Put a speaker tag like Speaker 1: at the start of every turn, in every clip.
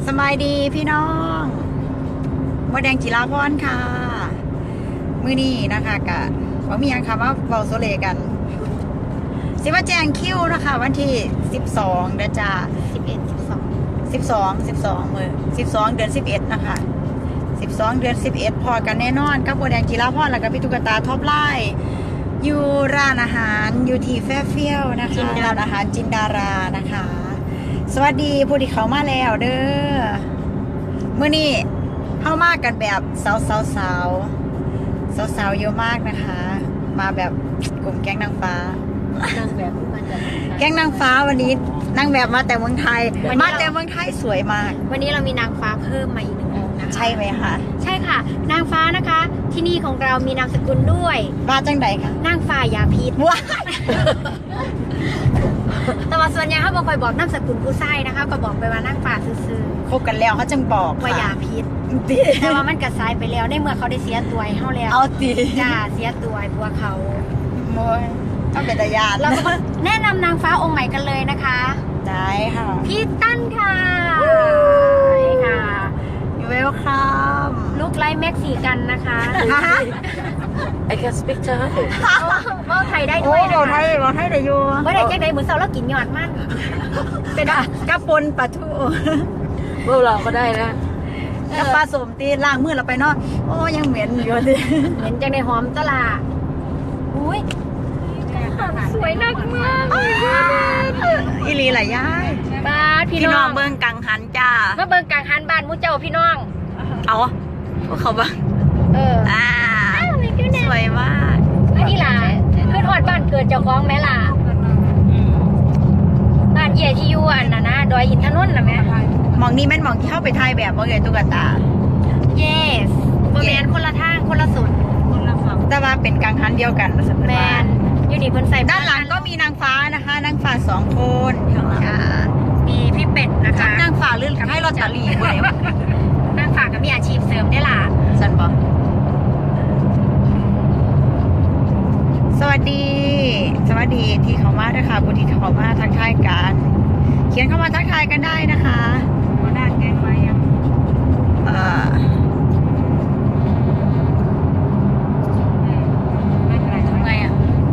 Speaker 1: สบายดีพี่น้องมดแดงจิราพรค่ะมื้อนี้นะคะกะว่ามีอย่างค่ะว่าเบาโซเลกันสิว่าแจ้งคิวนะคะวันที่12เดือนจ้า12มื้อ12เดือน11นะคะ12เดือน11พอกันแน่นอนกับมดแดงจิราพรแล้วก็พี่ตุ๊กตาท็อปไลน์อยู่ร้านอาหารอยู่ที่แฟร์เฟียลนะคะร้านอาหารจินดารานะคะสวัสดีผู้ที่เขามาแล้วเด้อมื้อนี้เข้ามากันแบบสาวเยอะมากนะคะ มาแบบกลุ่มแก๊งนางฟ้านางแบบแก๊งนางฟ้าวันนี้นางแบบมาแต่เมืองไทยมาแต่เมืองไทยสวยมาก
Speaker 2: วันนี้เรามีนางฟ้าเพิ่มมาอีก1 องค์นะคะ
Speaker 1: ใช่ไหมคะ
Speaker 2: ใช่ค่ะนางฟ้านะคะที่นี่ของเรามีนามสกุลด้วย
Speaker 1: ว่าจังใดคะ
Speaker 2: นางฟ้ายาพิษ
Speaker 1: ว้า
Speaker 2: แต่ว่าส่วนใหญ่เขาบอกคอยบอกนามสกุลผู้ไส้นะคะก็บอกไปว่านางฟ้าซื่อ
Speaker 1: คบกันแล้วเขาจึงบอก
Speaker 2: ว่ายาพิษแต่ว่ามันกระซายไปแล้วในเมื่อเขาได้เสียตัวให้เขาแล้ว
Speaker 1: เอาตี
Speaker 2: จ้าเสียตัวพวกเขา
Speaker 1: โมยต้องเป็นตายาน
Speaker 2: เราก็แนะนำนางฟ้าองค์ใหม่กันเลยนะคะ
Speaker 1: ได้ค่ะ
Speaker 2: พี่ตั้นค่ะค่ะ
Speaker 1: ยูเวลคัม
Speaker 2: ลูกไลท์เม็กซิกันนะคะ
Speaker 3: I can speak Thai
Speaker 2: ว่าไทยได้ด้วยนะคะ
Speaker 1: เราไทยได้อยู่
Speaker 2: ว่าได้จังไดเหมือนเสาแล้วกินยอดมันเป็น
Speaker 1: กระปนปลาทู
Speaker 3: พวกเราก็ได้นะ
Speaker 1: กระปลาสมตีล้างมือเราไปเนาะโอ้ยังเหม็นอยู่เลย
Speaker 2: เหม็นจังไดหอมตลาดอุ้ยสวยนักมาก
Speaker 1: อีลีหลายย่าย
Speaker 2: บ้านพี่น้อง
Speaker 1: เบิ่งกังหันจ้า
Speaker 2: มาเบิ่งกังหันบ้านมูเจ้าพี่น้อง
Speaker 1: เอาพวกเขาบ้างสวยมาก
Speaker 2: อันนี้ล่ะขึ้นหอดบ้านเกิดเจ้าของแม่ล่ะบ้านเย่ที่อยู่อันน่ะนะดอยอินทนนท์น่ะแม่
Speaker 1: มองนี่แม่นมองที่เข้าไปถ่ายแบบบ่เอ่ยตุ๊กตา
Speaker 2: yes บ่แม่นคนละทางคนละสุด
Speaker 1: แต่ว่าเป็นกังหันเดียวกัน
Speaker 2: แม่นอยู่นี่เพิ่นใส่
Speaker 1: ด้านหลังก็มีนางฟ้านะคะนางฟ้า2 คน
Speaker 2: มีพี่เป็ดนะคะ
Speaker 1: นางฟ้าลื่นให้ลอตเตอรี่บ่ได้
Speaker 2: นางฟ้าก็มีอาชีพเสริมได้ล่ะ
Speaker 1: ซั่นบ่สวัสดีที่เขามาด้วยค่ะผู้ที่เขามาทักทายกันเขียนเข้ามาทักทายกันได้นะคะ
Speaker 2: มาด้านแกงไว้ยัง
Speaker 1: ทำไงอ่ะ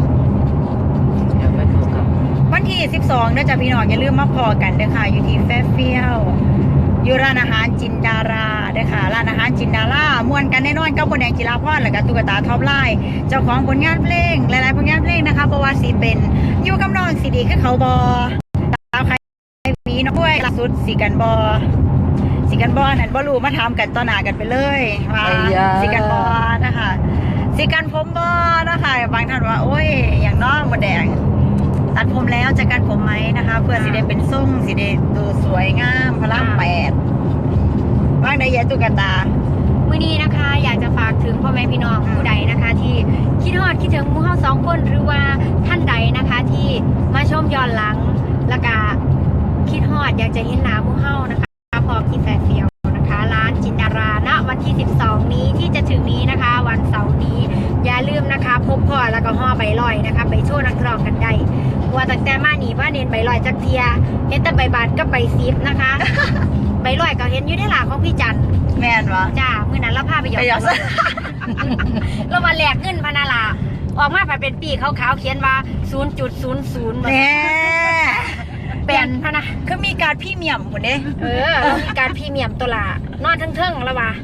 Speaker 1: วันที่12นะจ๊ะพี่น้องอย่าลืมมาพอกันเด้อค่ะอยู่ที่แฟร์เฟียลอยู่ร้านอาหารจินดาราเด้อค่ะร้านอาหารจินดาราม่วนกันแน่นอนกับมดแดงจิราพรและก็ตุ๊กตาท็อปไลน์เจ้าของผลงานเพลงหลายๆผลงานเพลงนะคะบ่ว่าสิเป็นอยู่กับน้องสีดีคือเขาบอตามใครมีน้องด้วยล่าสุดสีกันบอนั่นบ่รู้มาถามกันต่อหน้ากันไปเลยว่าสีกันบอนะคะสีกันผมบอนะคะบางท่านว่าโอ้ยอย่างน้องมดแดงตัดผมแล้วจะกันผมไหมนะคะเพื่อสีได้เป็นทรงสีได้ดูสวยงามพลัง8ว่างได้ยะตุ๊กตา
Speaker 2: มื้อนี้นะคะอยากจะฝากถึงพ่อแม่พี่น้องผู้ใดนะคะที่คิดฮอดคิดถึงหมู่เฮา2 คนหรือว่าท่านใดนะคะที่มาชมย้อนหลังแล้วก็คิดฮอดอยากจะเห็นหน้าหมู่เฮานะคะพอที่แฟร์เฟียลนะคะร้านจินดาราณวันที่12นี้ที่จะถึงนี้นะคะวันเสาร์นี้อย่าลืมนะคะพบพ่อแล้วก็ห่อใบลอยนะคะไปโชว์นักร้องกันได้ว่าตั้งแต่มานี่ว่าเน้นใบลอยจักเทียเห็นแต่ใบบาทก็ใบซิปนะคะ ใบลอยก็เห็นอยู่ในหลาของพี่จัน
Speaker 1: แม่นวะ
Speaker 2: จ้ามื้อนั้นเราพาไปหยอกเรามาแลกเงินพนาลาออกมาไปเป็นปีขาวๆเขียนว่า 0.00
Speaker 1: แม่
Speaker 2: เป็นพนะ
Speaker 1: คือมีการพรีเมียมหมดเด้
Speaker 2: มีการพรีเมียมตัวละนอนเทิงๆแล้ววะ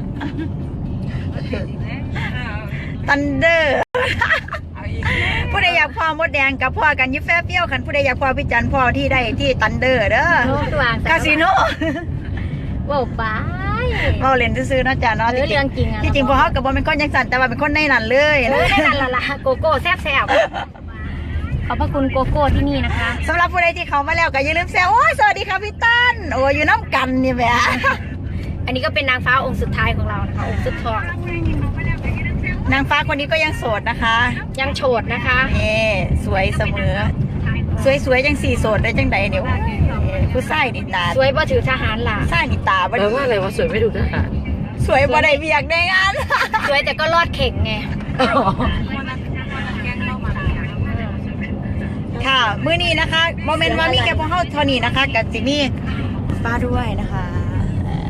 Speaker 1: ทันเดอร์ผู้ใดอยากพอมดแดงกับพ่อกันยิบแฟร์เฟี้ยวคันผู้ใดอยากพอพี่จันพ่อที่ได้ที่ทันเดอร์เด้อคาสิโน
Speaker 2: ว้าวบาย
Speaker 1: เราเล่นซื้อๆนะจ๊ะเนาะ
Speaker 2: เรื่องจริงอ่ะ
Speaker 1: ที่จริงพอเขากับบอลเป็นคนยังสั่นแต่ว่าเป็นคนในนั่นเลย
Speaker 2: ในนั่นละโกโก้แซ่บขอบพระคุณโกโก้ที่นี่นะคะ
Speaker 1: สำหรับผู้ใดที่เขามาแล้วก็อย่าลืมแซวโอ้ยสวัสดีค่ะพี่ตั้นโอ้ยอยู่น้ำกันนี่แหละ
Speaker 2: อันนี้ก็เป็นนางฟ้าองค์สุดท้ายของเรานะคะองค์สุดทอง
Speaker 1: นางฟ้าคนนี้ก็ยังโสดนะคะ
Speaker 2: ยังโฉดนะคะ
Speaker 1: สวยเสมอสวยยัง4โสดได้จังใดเดี๋ยวผู้ชายนี่ตา
Speaker 2: สวยบ่ถือทหารล่ะ
Speaker 1: ชายนี่ตาบ่
Speaker 3: แปลว่าอะไรว่าสวยไม่ถูกทหาร
Speaker 1: สวยบ่ได้เบียกได้งาน
Speaker 2: สวยแต่ก็รอดเข่งไง
Speaker 1: ค่ะมื้อนี้นะคะโมเมนต์ว่ามีแกพวกเฮาเท่านี้นะคะกับจิมี่ฟ้าด้วยนะคะ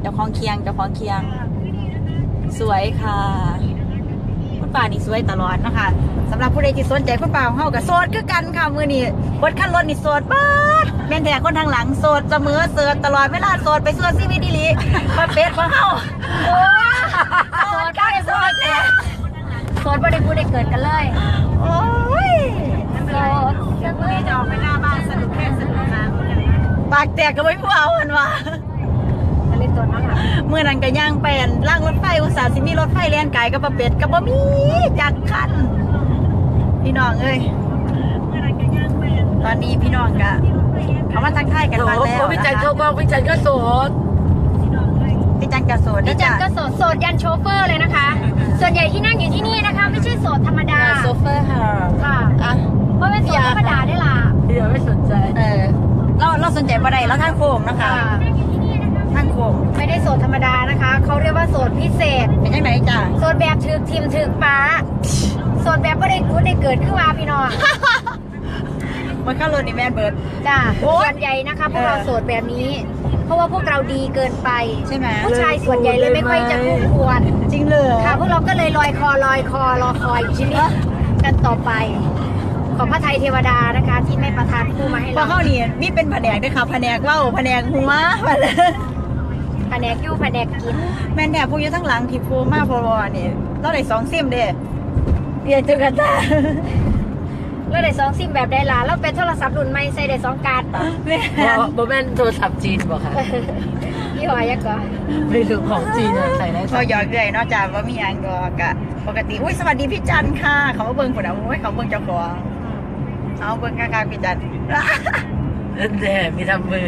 Speaker 1: เจ้าของเคียงสวยค่ะคุณป่านี่สวยตลอดนะคะสำหรับผู้ใดที่สนใจคุณป่าของเฮาก็โสดคือกันค่ะมื้อนี้รถคันรถนี่โสดป๊าดแม่นแต่คนทางหลังโสดเสมอโสดตลอดเวลาโสดไปสวดชีวิตดีหลีมาเป็ดของเฮาโอ้โสดได้โสดแท้
Speaker 2: โสดบ่ได้พูดได้เกิดกันเลย
Speaker 1: โอ้ย
Speaker 2: โสด
Speaker 1: มื้อนี้จะออกไปหน้าบ้านสนุกแค่สนุกนะปากแตกก็ไม่ผู้เอาหั่นว่า
Speaker 2: อันนี้ตัวนั่นล่ะ
Speaker 1: เมื่อนั้นก็ย่างไปอั่นล่างรถไฟอุตส่าห์สิมีรถไฟแล่นไกลกับบ่เป็ดกับบ่มีจักคันพี่น้องเอ้ยตอนนี้พี่น้องก็เขามาทักทายกัน
Speaker 3: โอ้
Speaker 1: บ้าง
Speaker 3: โห
Speaker 1: แล้ว
Speaker 3: พี่จัน
Speaker 1: นะคะ
Speaker 3: เข้ากล้องพี่จันก็โสด
Speaker 1: พี่จันก็โสด
Speaker 2: พี่จันก็โสดโสดยันโชเฟอร์เลยนะคะ ส่วนใหญ่ที่นั่งอยู่ที่นี่นะคะ ไม่ใช่โสดธรรมดา
Speaker 1: โซเฟอร์ค่ะ
Speaker 2: ค่ะ
Speaker 1: อ่ะ
Speaker 2: เพราะเป็นโสดธรรมดาได้ล่ะ
Speaker 3: พี่ยังไม่สนใจ
Speaker 1: เราสนใจบ่ได้แล้วทางโค้งนะคะ
Speaker 2: ค่ะ
Speaker 1: ทางโค้ง
Speaker 2: ไม่ได้โสดธรรมดานะคะ เขาเรียกว่าโสดพิเศษ
Speaker 1: เป็นยังไงจ้ะ
Speaker 2: โสดแบบถึกทิมถึกป้าโสดแบบไม่ได้กูได้เกิดขึ้นมาพี่น้อง
Speaker 1: มันเข้ารถนี่แม่นเบิร์ด
Speaker 2: จ้า
Speaker 1: โอ๊ย
Speaker 2: ส่วนใหญ่นะคะพวกเราโสดแบบนี้ เพราะว่าพวกเราดีเกินไป
Speaker 1: ใช่ไหม
Speaker 2: ผู้ชายส่วนใหญ่เลยไม่ค่อยจะคู่ควร
Speaker 1: จริงเลย
Speaker 2: ค่ะพวกเราก็เลยลอยคอรอคอยอยู่ที่นี่กันต่อไป ขอพระไทยเทวดานะคะ ที่ไม่ประทานคู่มาให้
Speaker 1: พอ
Speaker 2: เรา
Speaker 1: เข้านี่มีเป็นแผนกด้วยค่ะแผนกเว้าแผนกหัว
Speaker 2: แผนกยู่แผนกกิน
Speaker 1: แม่นแถบพวกอยู่ทั้งหลังที่โฟมาพอนี่เราได้2ซิมเด้เรียนจุกันตา
Speaker 2: แล้วได้2ซิมแบบได้ล่ะแล้วเป็นโทรศัพท์รุ่นใหม่ใส่ได้2การ์ดปะ
Speaker 1: แม่น
Speaker 3: โบแมนโทรศัพท์จีนบอกค่ะ
Speaker 2: ยี่ห้อยักษ์ก็
Speaker 3: ไม่รู้ของจีนอะใส่ได้
Speaker 1: พอหยอกเลยเนอกจากว่ามีอันก็กะปกติอุ้ยสวัสดีพี่จันค่ะ เขามาเบิ่งผลเอาโอ้ยเขาเบิ่งเจ้าของเอาเบิ่งข้างๆพี่จัน
Speaker 3: แน่มีทำมือ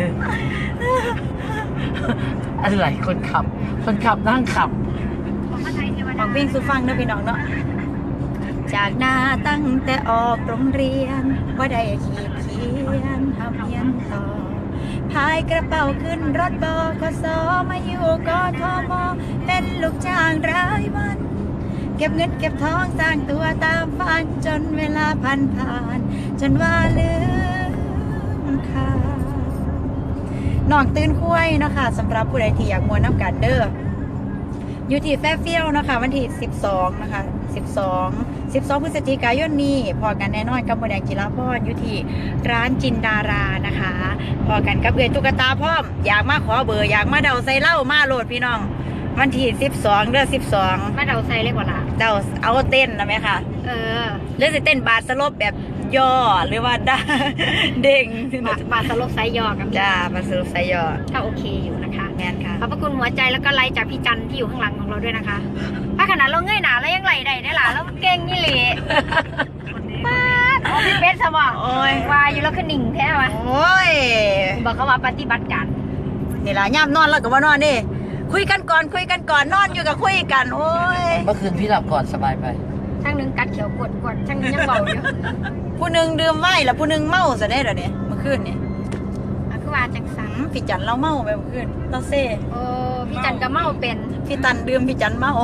Speaker 3: อะไรคนขับนั่งขับ
Speaker 2: ขอพระไทยเทว
Speaker 1: อ
Speaker 2: ดา
Speaker 1: อกวิ่งสู่ฟังเด้อพี่น้องเนาะจากหน้าตั้งแต่ออกโรงเรียนว่าได้ขีดเขียนทำเรียนต่อพายกระเป๋าขึ้นรถบกสมาอยู่กทมเป็นลูกจ้างรายวัน เก็บเงินเก็บทองสร้างตัวตามฝันจนเวลาผ่านจนว่าลืมค่าน้องตื่นคุ้ยเนาะค่ะสำหรับผู้ใดที่อยากมวนน้ำกันเด้ออยู่ที่แฟร์เฟียลนะคะวันที่12นะคะ12พฤศจิกายนนี้พอกันแน่นอนกับโมแดงจิราพรอยู่ที่ร้านจินดารานะคะพอกันกับเอือยตุ๊กตาพร้อมอยากมาขอเบอร์อยากมาเดาใส่เหล้ามาโหลดพี่น้องวันที่12เดือน12
Speaker 2: มาเดาใส่เลยกว่าล่ะ
Speaker 1: เดาเอาเต้นนะไหมคะ
Speaker 2: เออ
Speaker 1: หรือจะเต้นบาสลบแบบย่อหรือว่าด้า เด้ง
Speaker 2: บาทสลบไซยอกับ
Speaker 1: จ้าบาสลบใส่ย่อ
Speaker 2: ก็โอเคอยู่นะคะ
Speaker 1: แมนค่ะ
Speaker 2: ขอบพระคุณหัวใจแล้วก็ไลค์จากพี่จันที่อยู่ข้างหลังของเราด้วยนะคะ ถ้าขนาดเราเงยหนาแล้วยังไหลได้ล่ะแล้วเก่งนี่เลยป้าดอ๋อพี่เป็ดสมอง
Speaker 1: โอ้ย
Speaker 2: ว่าอยู่แล้วก็หนิ่งแท้วะ
Speaker 1: โอ้ย
Speaker 2: บอกเขาว่าปฏิบัติการ
Speaker 1: นี่ล่ะย่ำนอนแล้วก็ว่านอนดิคุยกันก่อนนอนอยู่กับคุยกันโอ้ย
Speaker 3: เมื่อคืนพี่หลับก่อนสบายไป
Speaker 2: ช่างหนึงกัดเขียวกดช่างหนึงยังเบาอยู่
Speaker 1: ผู้หนึ่งดื่มไว้แล้วผู้หนึ่งเมาซะได้เหรอเนี่ยเมื่อคืนเนี่ย
Speaker 2: อ่ะคือว่าจังสัน
Speaker 1: พี่จันเราเมาไปเมื่อคืนเราเซ่
Speaker 2: โอ้พี่จันก็เมาเป็น
Speaker 1: พี่ตันดื่มพี่จันเมา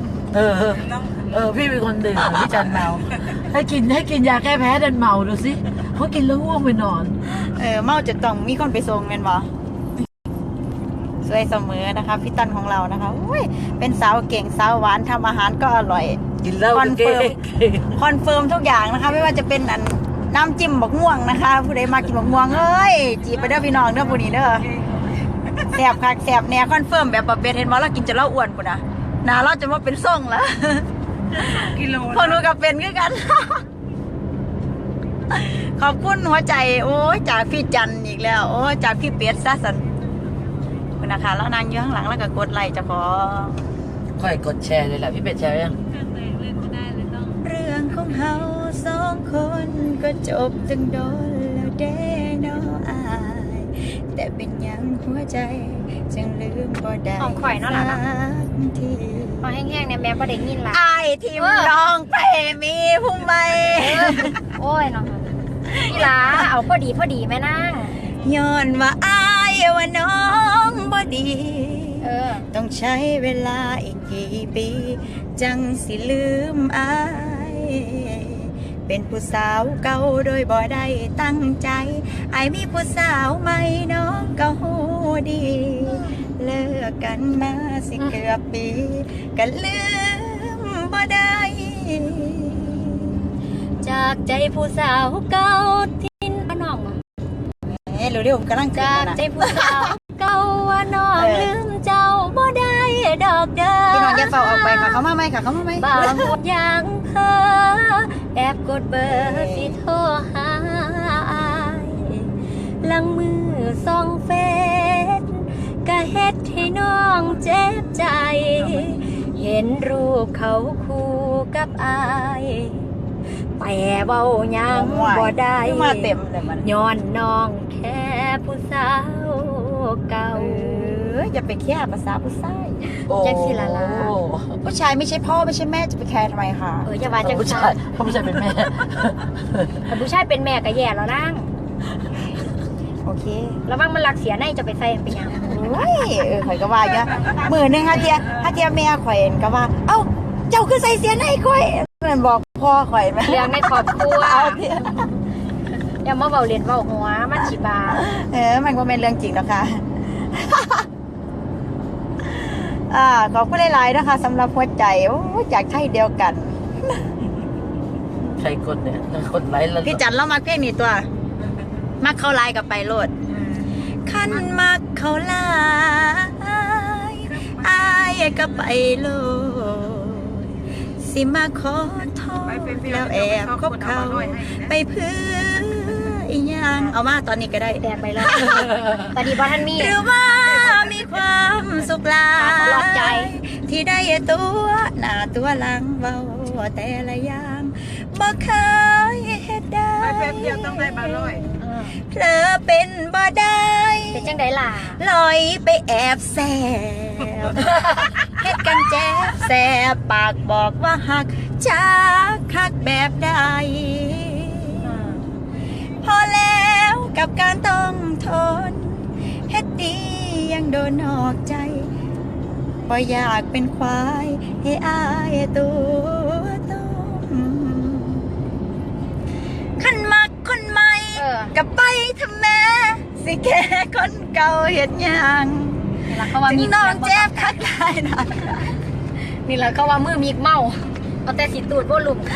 Speaker 3: พี่เป็นคนดื่มพี่จันเมาให้กินยาแก้แพ้ดันเมาดูสิเขากินแล้วง่วงไปนอน
Speaker 1: เมาจะต้องมีคนไปส่งแม่นบ่สวยเสมอนะคะพี่ตันของเรานะคะอุ้ยเป็นสาวเก่งสาวหวานทำอาหารก็อร่อย
Speaker 3: กินเหล้า
Speaker 1: คอนเฟิร์ม
Speaker 3: เก่ง
Speaker 1: คอนเฟิร์มทุกอย่างนะคะ ไม่ว่าจะเป็นอันน้ำจิ้มบักม่วงนะคะ ผู้ใดมากินบักม่วงเอ้ยจีบไปเด้อพี่น้องเด้อผู้นี้เด้อแสบคักแสบแน่คอนเฟิร์มแบบประเภทเห็นบ่เรากินจะเล่าอ้วนปุ่นนะหนาเราจะมาเป็นส่งละกิโลพวกหนูกับเป็นคือกัน ขอบคุณหัวใจโอ้ยจากพี่จันอีกแล้วโอ้ยจากพี่เป็ดซะสันคุณนะคะแล้วนางอยู่ข้างหลังแล้วก็กดไลค์เจะขอ
Speaker 3: ค่อยกดแชร์เลยแหละพี่เป็ดแชร์ยัง
Speaker 1: เรื่องของเฮาสองคนก็จบตั้งโดนแล้วเด้เนาะอายแต่เป็นหยังหัวใจจึงลืมบ่ได้
Speaker 2: ของข่อยเนาะล่ะเนาะ
Speaker 1: สักที
Speaker 2: พอแห้งๆเนี่ยแม่ก็ได้ยินละ
Speaker 1: อายทิมน้องไปมีผู้ใหม่
Speaker 2: โอ้ยเนาะพี่หลาเอาพอดีแม่นาง
Speaker 1: ย้อนว่าอายว่าน้องบ่ดี
Speaker 2: เออ
Speaker 1: ต้องใช้เวลาอีกกี่ปี จังสิลืมอาย เป็นผู้สาวเก่าโดยบ่ได้ตั้งใจอายมีผู้สาวใหม่น้องก็หูดี เลิกกันมาสิเกือบปีกันลืมบ่ได้
Speaker 2: จากใจผู้สาวเก่าทิ้นมาน้องอะ
Speaker 1: เร็วๆผมกำลัง
Speaker 2: จากใจผู้สาวเก่าว่าน้องลืมเจ้าบ่ได้ดอกเด้อ
Speaker 1: พี่น้องอย่าเฝ้าออกไปค่ะเขามาไหมค่ะเขามาไหม
Speaker 2: บางคนยังเพ้อแอบกดเบอร์ที่โทรหาอายลังมือส่องเฟซก็เฮ็ดให้น้องเจ็บใจ เห็นรูปเขาคู่กับอายแต่เว้ายังบ่ได้
Speaker 1: มาเต็มเลยมัน
Speaker 2: ย้อนน้องแค่ผู้สาวเก่า
Speaker 1: อย่าไปแค่ภาษาผู้ชาย
Speaker 2: แจ็คสิลาลา
Speaker 1: ผู้ชายไม่ใช่พ่อไม่ใช่แม่จะไปแคร์ทำไมคะ
Speaker 2: อย่าว่าจัง
Speaker 3: ผู้
Speaker 2: ซั่
Speaker 3: ชาย
Speaker 2: น
Speaker 3: เขาผู้ชายเป็นแม่
Speaker 2: แต่ผู้ชายเป็นแม่ก็แย่แล้วนั่ง
Speaker 1: โอเค
Speaker 2: ระวังมันหลักเสียในจะไปใส่เป็นหยัง
Speaker 1: โอ้ยข่อยก็ว่าเยอะมือหนึ่งฮะเทียแม่ข่อยเห็นก็ว่า เอ้าเจ้าคือใส่เสียในข่อยมันบอกพ่อข่อยไหม
Speaker 2: เรื่องในครอบครัว
Speaker 1: เอาเทีย
Speaker 2: อย่ามาเบาเรียนเบาหัวมันฉีบา
Speaker 1: มันก็เป็นเรื่องจริงแล้วค่ะ ขอบคุณหลายๆนะคะสำหรับหัวใจโอ้จากไทยเดียวกัน
Speaker 3: ใครกดเนี่ยกดไลค์แล้ว
Speaker 1: พี่จันเรามาเพลงนี้ตัว มักเข้าไลน์กับไปโลดขั้นมักเข้าไลน์อายก็ไปโลดสิมาขอโทษแล้วแอบคบเขาไปเพื่ออีหยังเอามาตอนนี้ก็ได้
Speaker 2: แตกไปแล้วตอนนี้บ้านมี
Speaker 1: หรือว่ามีความสุขหลา
Speaker 2: ตลอดใจ
Speaker 1: ยที่ได้ตัวหน้าตัวหลังเบาแต่ละอย่างบ่เคยเฮ็ดได้
Speaker 4: ไปแป๊บเดียวต้องได้บาร้อย
Speaker 1: เผลอเป็นบ่ได้
Speaker 2: เป็นจังไดล่ะ
Speaker 1: ลอยไปแอบแซบเฮ็ดกันแจ๊บแซบปากบอกว่าหักจากหักแบบใดพอแล้วกับการต้องทนเฮ็ดดียังโดนนอกใจบ่อยากเป็นควายให้อายตัวต้มขันมักคนใหม่ กับไปทำแม่สิแค่คนเก่าเห็นยัง
Speaker 2: นี่ละเขาว่า
Speaker 1: ถึง
Speaker 2: มี
Speaker 1: น้องเจ็บคักได้นะ
Speaker 2: นี่ละเขาว่ามือมีเมาเอาแต่สิตูดบ่ลุ่ม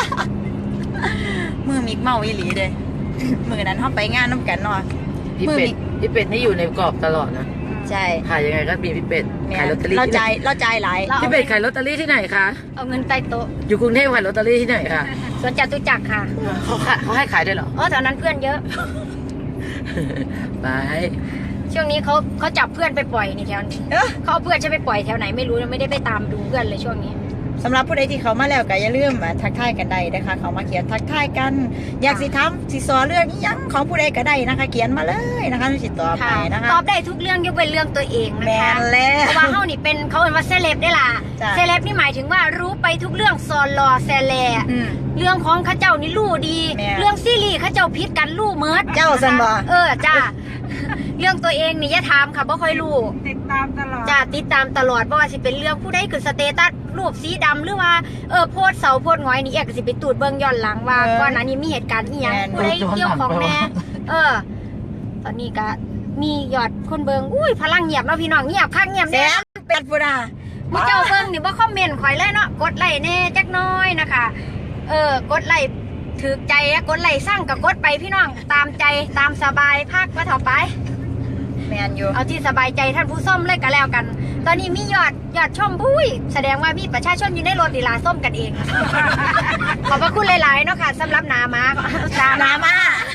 Speaker 1: มือมิกเมาอีหลีเลยมือนั้นเขาไปงานน้ำกันเนาะ
Speaker 3: พี่เป็ดพี่เป็ดนี่อยู่ในกรอบตลอดนะ
Speaker 1: ใช่
Speaker 3: ขายยังไงก็มีพี่เป็ด
Speaker 1: แม่
Speaker 3: ขายลอตเตอรี่
Speaker 1: เรา
Speaker 3: ที่ไห
Speaker 1: ใจ
Speaker 3: น
Speaker 1: เราใจหลาย
Speaker 3: พี่เป็ดขายลอตเตอรี่ที่ไหนคะ
Speaker 2: เอาเงินใต้โต๊ะ
Speaker 3: อยู่กรุงเทพขายลอตเตอรี่ที่ไหนคะ
Speaker 2: สวนจตุจักรค่ะ
Speaker 3: เขาให้ขายด้วยเหรอ
Speaker 2: แถวนั้นเพื่อนเยอะ
Speaker 3: ไป
Speaker 2: ช่วงนี้เขาจับเพื่อนไปปล่อยนี่แถวนี้
Speaker 1: เอ้อ
Speaker 2: เขาเอาเพื่อนจะไปปล่อยแถวไหนไม่รู้นะไม่ได้ไปตามดูเพื่อนเลยช่วงนี้
Speaker 1: สำหรับผู้ใดที่เขามาแล้วก็อย่าลืมทักทายกันได้นะคะเขามาเขียนทักทายกัน อยากสิทำสิสอเรื่องอิหยังของผู้ใดก็ได้นะคะ เขียนมาเลยนะคะสิตอบไปนะคะ
Speaker 2: ตอบได้ทุกเรื่องยกเว้นเรื่องตัวเอง
Speaker 1: แม
Speaker 2: นะคะ
Speaker 1: นแล้ว
Speaker 2: เพราะว่าเฮานี่เป็นเขาเรียกว่าเซเลบได้ล่ะ
Speaker 1: จ้ะ
Speaker 2: เซเลบนี่หมายถึงว่ารู้ไปทุกเรื่องซอนรอแซแล
Speaker 1: อืม
Speaker 2: เรื่องของข้าเจ้านี่รู้ดี
Speaker 1: แม่
Speaker 2: เรื่องซีรีส์ข้าเจ้าพิษกันรู้เมิด
Speaker 1: เจ้าซันบ่
Speaker 2: จ้า เรื่องตัวเองนี่อย่าถามค่ะบ่ค่อยรู้
Speaker 4: ติดตามตลอด
Speaker 2: จ้าติดตามตลอดบ่ว่าสิเป็นเรื่องผู้ใดคือสเตตัสรูปสีดำหรือว่าโพสต์เสาโพสต์หงอยนี่แอกก็สิไปตูดเบิ่งย้อนหลังว่าก่อนหน้านี้มีเหตุการณ์อีหยังผู้ใดเกี่ยวของแน่ตอนนี้ก็มียอดคนเบิ่งอุ้ยพลังเงียบเนาะพี่น้องเงียบคักเงียบ
Speaker 1: แซ
Speaker 2: แน่
Speaker 1: มเป็ดปุรา
Speaker 2: ผู้เจ้าเบิ่งนี่บ่คอมเมนต์ข่อยเลยเนาะกดไลค์แน่จักหน้อยนะคะกดไลค์ถือใจอะกดไลค์สร้างกับกดไปพี่น้องตามใจตามสบายพักว่าเถาไป
Speaker 1: แมนอยู่
Speaker 2: เอาที่สบายใจท่านผู้ส้มเลยก็แล้วกัน ตอนนี้มียอดชมพุ้ยแสดงว่ามีประชาชนอยู่ในรถดีลาส้มกันเอง ขอบพระคุณหลายๆเนาะค่ะสำหรับนามา
Speaker 1: น้ำมา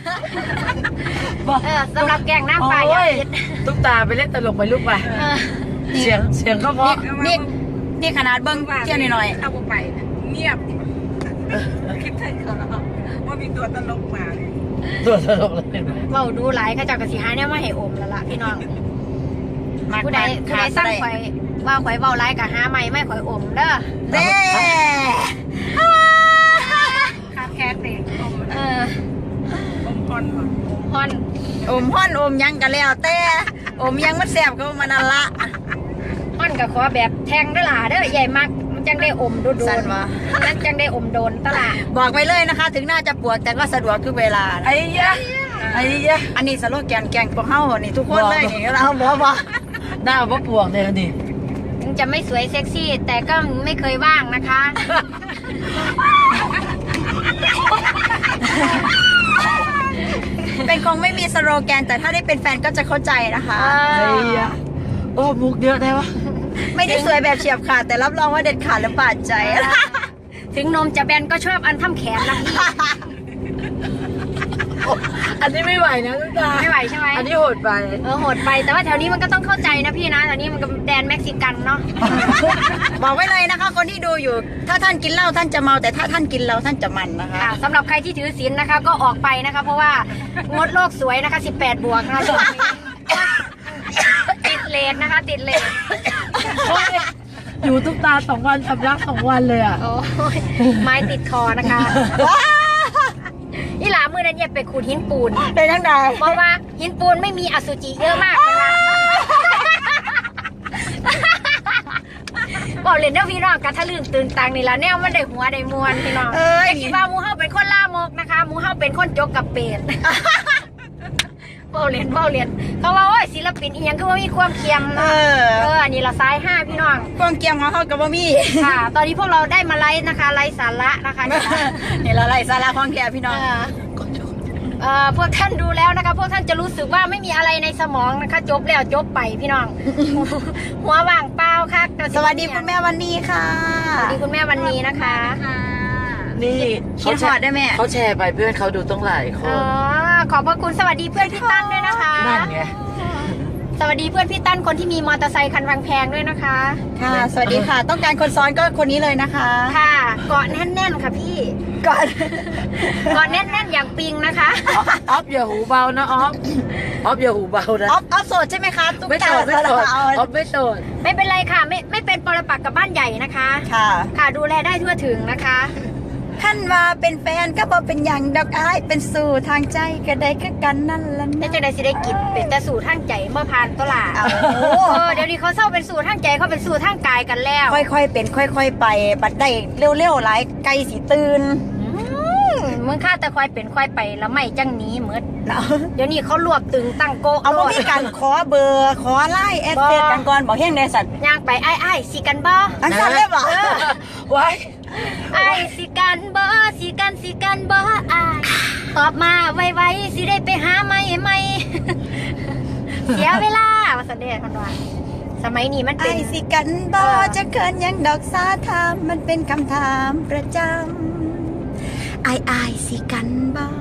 Speaker 2: สำหรับแกงน้ำปลาอย่าพิษ
Speaker 3: ตุ๊กตาไปเล่นตลกไปลูกไป
Speaker 2: เออ
Speaker 3: เสียงก็เพราะ
Speaker 1: นี่ขนาดเบิ้งเที่ยวหน่อย
Speaker 4: เอาไปเงียบคิดไทยเขาว่ามีตัวตลกมา
Speaker 3: ตัวตลกเลยเห็นไหม
Speaker 2: เว้าดูหลายเขาเจ้ากระสีหาเนี่ยมาให้อมแล้วล่ะพี่น้อง
Speaker 1: ๆ
Speaker 2: ผู้ใดสร้างข่อยว่าข่อยเว้าหลายกับหาใหม่ไม่ข่อยอมเด้อ
Speaker 1: เด้
Speaker 4: คาแคสเอง อมพร
Speaker 2: ฮอน
Speaker 1: อมห้อนอมยังกันแล้วแต่อมยังมันแสบก็มันนั่นละ
Speaker 2: ฮอนกับขอแบบแทงด้วยล่ะเด้อใหญ่มากมันจังได้อมโดน
Speaker 1: สั่นวะ
Speaker 2: นั่นจังได้อมโดนตลาด
Speaker 1: บอกไปเลยนะคะ ถึงหน้าจะปวดแต่ก็สะดวกทุกเวลานะ
Speaker 3: ไอ้ยะไอ้ยะ
Speaker 1: อันนี้สโลแกนแกงพวกเฮานี่ทุกคนเลยนี่เราบอก
Speaker 3: หน้าว่าปวกเลยดิ
Speaker 2: ถึงจะไม่สวยเซ็กซี่ แต่ก็ไม่เคยว่างนะคะ
Speaker 1: เป็นคงไม่มีสโลแกนแต่ถ้าได้เป็นแฟนก็จะเข้าใจนะคะ
Speaker 3: ไอ้ยะโอ้มุกเยอะได้ปะ
Speaker 1: ไม่ได้สวยแบบเฉียบขาดแต่รับรองว่าเด็ดขาดและบาดใจ
Speaker 2: ถึงนมจะแบนก็ชอบอันทำแขนนะพี่
Speaker 3: อันนี้ไม่ไหวนะลูกตา
Speaker 2: ไม่ไหวใช่ไหม
Speaker 3: อันนี้โหดไป
Speaker 2: โหดไปแต่ว่าแถวนี้มันก็ต้องเข้าใจนะพี่นะแถวนี้มันก็แดนเม็กซิกันเนาะ
Speaker 1: บอกไว้เลยนะคะ คนที่ดูอยู่ ถ้าท่านกินเหล้าท่านจะเมาแต่ถ้าท่านกินเหล้าท่านจะมันนะคะ
Speaker 2: ค่ะสำหรับใครที่ถือศีลนะคะ ก็ออกไปนะคะ เพราะว่างดโลกสวยนะคะ18 บวกนะคะช่วงนี้ติดเลทนะคะ ติดเลท
Speaker 3: อยู่ทุกตา2 วันสำลัก2 วันเลยอ่ะ
Speaker 2: โอ้ยไม้ติดคอนะคะอีหลามือนั้นเย็บไปขูดหินปูน
Speaker 1: เป็นทั้งใด
Speaker 2: เพราะว่าหินปูนไม่มีอสุจิเยอะมากนะคะบอกเลยนะพี่น้องกระทะลึงตื่นตังนี่ละแนวมันได้หัวได้มวนพี่น้องแต่คิดว่าหมูเฮาเป็นคนล่ามกนะคะหมูเฮาเป็นคนจกกับเป็ดเบ้าเรียนเขาว่าโอ้ยศิลปินอีหยังคือว่ามีความเคียม
Speaker 1: เอ
Speaker 2: เนาะ
Speaker 1: อ
Speaker 2: อันนี้ละซ้าย5พี่น้อง
Speaker 1: กวางเกียมของเขากับบ่มี
Speaker 2: ค่ะ ตอนนี้พวกเราได้มาไลฟ์นะคะไลฟ์สาระนะคะ
Speaker 1: นี่ละไรสาระของแกพี่น้อง
Speaker 2: พวกท่านดูแล้วนะคะพวกท่านจะรู้สึกว่าไม่มีอะไรในสมองนะคะ จบแล้วจบไปพี่น้อง หัวว่างเปล่าค่ะ
Speaker 1: สวัสดีคุณแม่วันนี้ค่ะ
Speaker 2: สวัสดีคุณแม่วันนี้นะคะ
Speaker 3: นี่
Speaker 1: คิดฮอดได้ไหม
Speaker 3: เขาแชร์ไปเพื่อนเขาดูต้องหลายค
Speaker 2: อ๋อน ขอบพระคุณสวัสดีเพื่อนพี่ตั้นด้วยนะคะ
Speaker 3: นั่นไง
Speaker 2: สวัสดีเพื่อนพี่ตั้นคนที่มีมอเตอร์ไซค์คันแพงๆด้วยนะคะ
Speaker 1: ค่ะ สวัสดีค่ะ ต้องการคนซ้อนก็คนนี้เลยนะคะ
Speaker 2: ค่ะเกาะแน่นๆค่ะพี่
Speaker 1: ก่อน
Speaker 2: เกาะแน่นๆอย่างปิงนะคะ
Speaker 3: ออฟอย่าหูเบานะออฟอย่าหูเบานะ
Speaker 1: ออฟโสดใช่ไหมคะตุ๊ก
Speaker 3: ไม่
Speaker 1: ตา
Speaker 3: โสดไม่โสด
Speaker 1: เอา
Speaker 3: ออฟไม่โสด
Speaker 2: ไม่เป็นไรค่ะไม่เป็นปรปักษ์กับบ้านใหญ่นะคะ
Speaker 1: ค่ะ
Speaker 2: ค่ะดูแลได้ทั่วถึงนะคะ
Speaker 1: ท่านว่าเป็นแฟนก็บอกเป็นอย่างดอกอ้ายเป็นสู่ทางใจก็ได้ก็กันนั่นละ
Speaker 2: ได้
Speaker 1: นะ
Speaker 2: จังไดสิได้กินเป็นแต่สู่ทางใจเมื่อผ่านตลาด
Speaker 1: เอา
Speaker 2: เดี๋ยวนี้เขาเศร้าเป็นสู่ทางใจเขาเป็นสู่ทางกายกันแล้ว
Speaker 1: ค่อยๆเป็นค่อย ๆ ไป บัดได้เร็วๆหลายไกลสีตื่น
Speaker 2: มึงข้าแต่ควายเป็นควายไปแล้วไม่จังหนี้เหมือน
Speaker 1: เนาะ
Speaker 2: เดี๋ยวนี้เขารวบตึงตั้งโกะ
Speaker 1: เอาว่ามีการขอเบอร์ขอไล่แอดเฟซกันก่อนบอกเฮงในสัตว์
Speaker 2: ย่างไปไอ้สิกันบ่
Speaker 1: อันสั้นเรียบหรอ
Speaker 3: ไว้
Speaker 2: ไอ้สิกันบ่สิกันบ่ไอ้ตอบมาไวๆสิได้ไปหาไม่ เสียเวลาว่าสันเดชคนว่าสมัยนี้มัน
Speaker 1: ไอ
Speaker 2: เป็น
Speaker 1: สิกันบอจะเกินยังดอกสาถามมันเป็นคำถามประจำไอสิกันบอ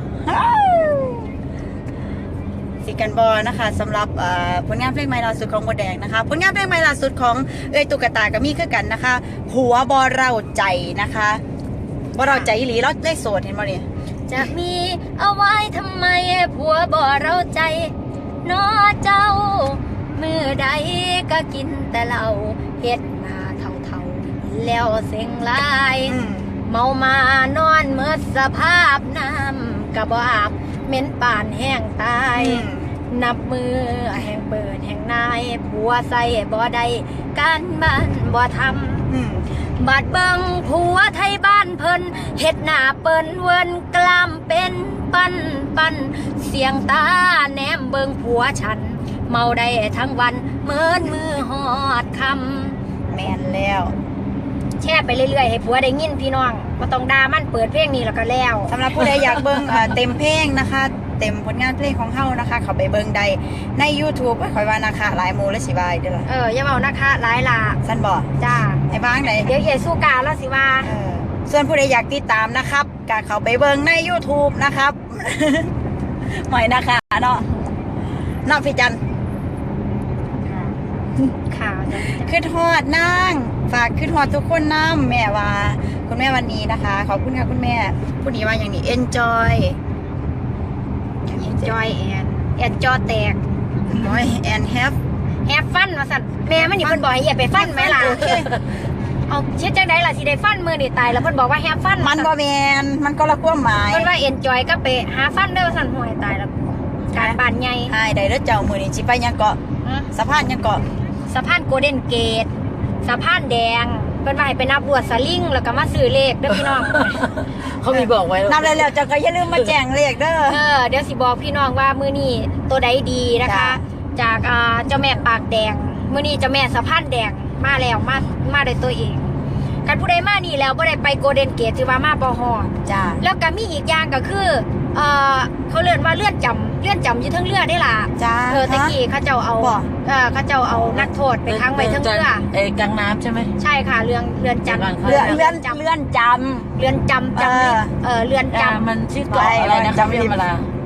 Speaker 1: สิกันบอนะคะสำหรับผลงานเพลงใหม่ล่าสุดของโมแดงนะคะผลงานเพลงใหม่ล่าสุดของเอ้ยตุ๊กตาก็มีคือกันนะคะ หัวบอเราใจนะคะบอเราใจอีหลีเราได้โสดเห็นบ่เนี่ย
Speaker 2: จะมีเอาไว้ทำไมผัวบ่เราใจน้อเจ้า มือใดก็กินแต่เหล้าเฮ็ดหน้าเท่าๆแล้วเซ็งหลาย เมามานอนเมื่อสภาพน้ำกระบอาบเหม็นป่านแห้งตาย นับมือแห่งเปิดแห่งนายผัวใส่บ่ได้การบ้านบ่ทำบาดเบิงผัวไทยบ้านเพิ่นเฮ็ดหน้าเปิ้นเวินกล้ามเป็นปันเสียงตาแนมเบิงผัวฉัน เมาได้ทั้งวันเหมือนมือหอดคำ
Speaker 1: แมนแล้ว
Speaker 2: แช่ไปเรื่อยๆให้ผัวได้ยินพี่น้องมาต้องด่ามันเปิดเพลงนี้แล้วก็แล้ว
Speaker 1: สำหรับผู้ใดอยากเบิ่งเต็มเพลงนะคะ เต็มผลงานเพลงของเฮานะคะ เขาไปเบิ่งได้ใน YouTube คอยว่านะคะหลายหมูและสิบายเด้อล่ะ
Speaker 2: อย่าเมานะคะหลายล่ะ
Speaker 1: สั้นบ่
Speaker 2: จ้า
Speaker 1: ไอ้บ้างไหน
Speaker 2: เดี๋ยวเอสู้กาแล้วสิว่า
Speaker 1: ส่วนผู้ใดอยากติดตามนะครับก็เขาไปเบิ่งใน YouTube นะครับ หมอยนะคะเนาะน้องพี่จัน
Speaker 2: ข่าว
Speaker 1: ขึ้นฮอดนางฝากขึ้นฮอดทุกคนน้ำแม่ว่าคุณแม่วันนี้นะคะ ขอบคุณค่ะคุณแม่ผู้นี้ว่าอย่างนี้ enjoy
Speaker 2: จอยแอนจอแตก
Speaker 1: boy and have
Speaker 2: แฮปฟันมาสั่นแม่มันนี่เพิ่นบอกให้อย่าไปฟันไหมล่ะ
Speaker 1: โอเค
Speaker 2: เอาเช็ดจังไดล่ะสิได้ฟันมือนี่ตายแล้วเพิ่นบอกว่าแฮปฟัน
Speaker 1: มันบ่แมนมันก็ละความหมาย
Speaker 2: เพิ่นว่าเอ็นจอยก็ไปหาฟันเด้อสั่นห่วยตายแล้วการบ้านใหญ่
Speaker 1: ไอ้ได้เด้อเจ้ามือนี้สิไปยังเกาะสะพานยังเกาะ
Speaker 2: สะพานโกลเด้นเกตสะพานแดงเพิ่นว่าให้ไปนับรวดสลิงแล้วก็มาซื้อเลขเด้อพี่น้อง
Speaker 3: เขามีบอกไว้
Speaker 1: นำแล้วเจ้าก็อย่าลืมมาแจ้งเลขเด้อ
Speaker 2: เดี๋ยวสิบอกพี่น้องว่ามือนี่ตัวใดดีนะคะ จากเจ้าแม่ปากแดงมื้อนี้เจ้าแม่สะพานแดงมาแล้วมาได้ตัวเองกันผู้ใดมานี่แล้วบ่ได้ไปโกลเด้นเกตถือว่ามาบ่ฮอด
Speaker 1: จ้า
Speaker 2: แล้วก็มีอีกอย่างก็คือเขาเรียกว่าเลื่อนจำอยู่เทั้งเรือได้ล่ะ
Speaker 1: จ้า
Speaker 2: ตะกี้เขาเจ้าเอา
Speaker 1: บ่
Speaker 2: เขาเจ้าเอานักโทษไปค้างไว้เทั้งเรือ
Speaker 3: กลางน้ำใช่ไหม
Speaker 2: ใช่ค่ะเรือนจำ
Speaker 1: เลื่อนจ
Speaker 2: เรือนจำ
Speaker 1: เออ
Speaker 2: เรือนจำ
Speaker 3: มันชื่อเกาะอะไรนะ
Speaker 1: จำ
Speaker 3: พี่
Speaker 1: ริม
Speaker 3: เวลา
Speaker 1: เ